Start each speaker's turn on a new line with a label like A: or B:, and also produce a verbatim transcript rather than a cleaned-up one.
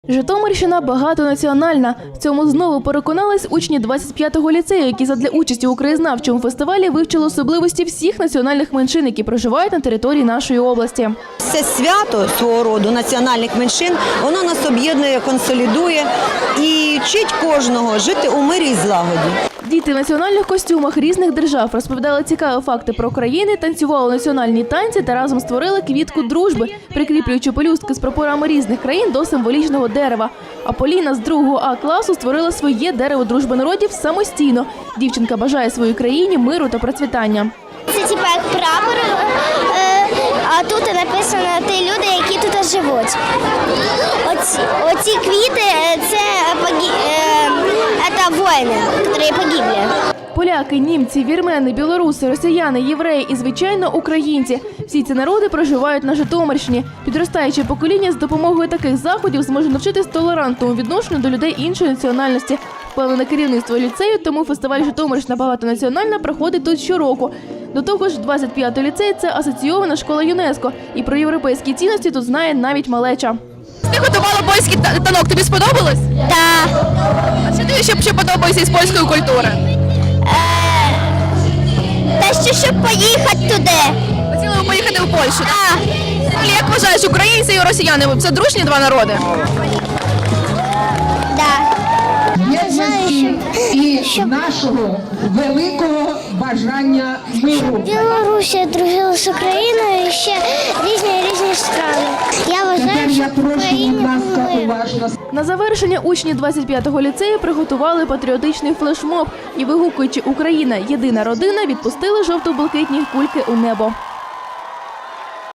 A: Житомирщина багатонаціональна. В цьому знову переконались учні двадцять п'ятого ліцею, які задля участі у краєзнавчому фестивалі вивчили особливості всіх національних меншин, які проживають на території нашої області.
B: Це свято свого роду національних меншин, воно нас об'єднує, консолідує і вчить кожного жити у мирі і злагоді.
A: Діти в національних костюмах різних держав розповідали цікаві факти про країни, танцювали національні танці та разом створили квітку дружби, прикріплюючи пелюстки з прапорами різних країн до символічного дерева. А Поліна з другого А класу створила своє дерево дружби народів самостійно. Дівчинка бажає своїй країні миру та процвітання.
C: Це типу як прапор, а тут написано ті люди, які тут живуть. Оці, оці квіти – це, це воїни, які погибли.
A: Поляки, німці, вірмени, білоруси, росіяни, євреї і, звичайно, українці. Всі ці народи проживають на Житомирщині. Підростаюче покоління з допомогою таких заходів зможе навчитись толерантному відношенню до людей іншої національності. Впевнене керівництво ліцею, тому фестиваль «Житомирщина багатонаціональна» проходить тут щороку. До того ж, двадцять п'ятий ліцей – це асоційована школа ЮНЕСКО. І про європейські цінності тут знає навіть малеча.
D: Ти готувала польський танок, тобі сподобалось?
C: Так.
D: А що тобі ще, ще подобається із польської культури?
C: Та що, щоб поїхати туди.
D: Хотіли ви поїхати в Польщу? Так. Як вважаєш, українці і росіяни – це дружні два народи?
C: Так.
E: Єдності і нашого великого бажання миру.
C: Білорусія дружила з Україною і ще різні різні страни. Я вважаю,
E: Тепер
C: що
E: я прошу, будь ласка,
C: Україна
E: уважно.
A: На завершення учні двадцять п'ятого ліцею приготували патріотичний флешмоб і, вигукуючи «Україна – єдина родина», відпустили жовто-блакитні кульки у небо.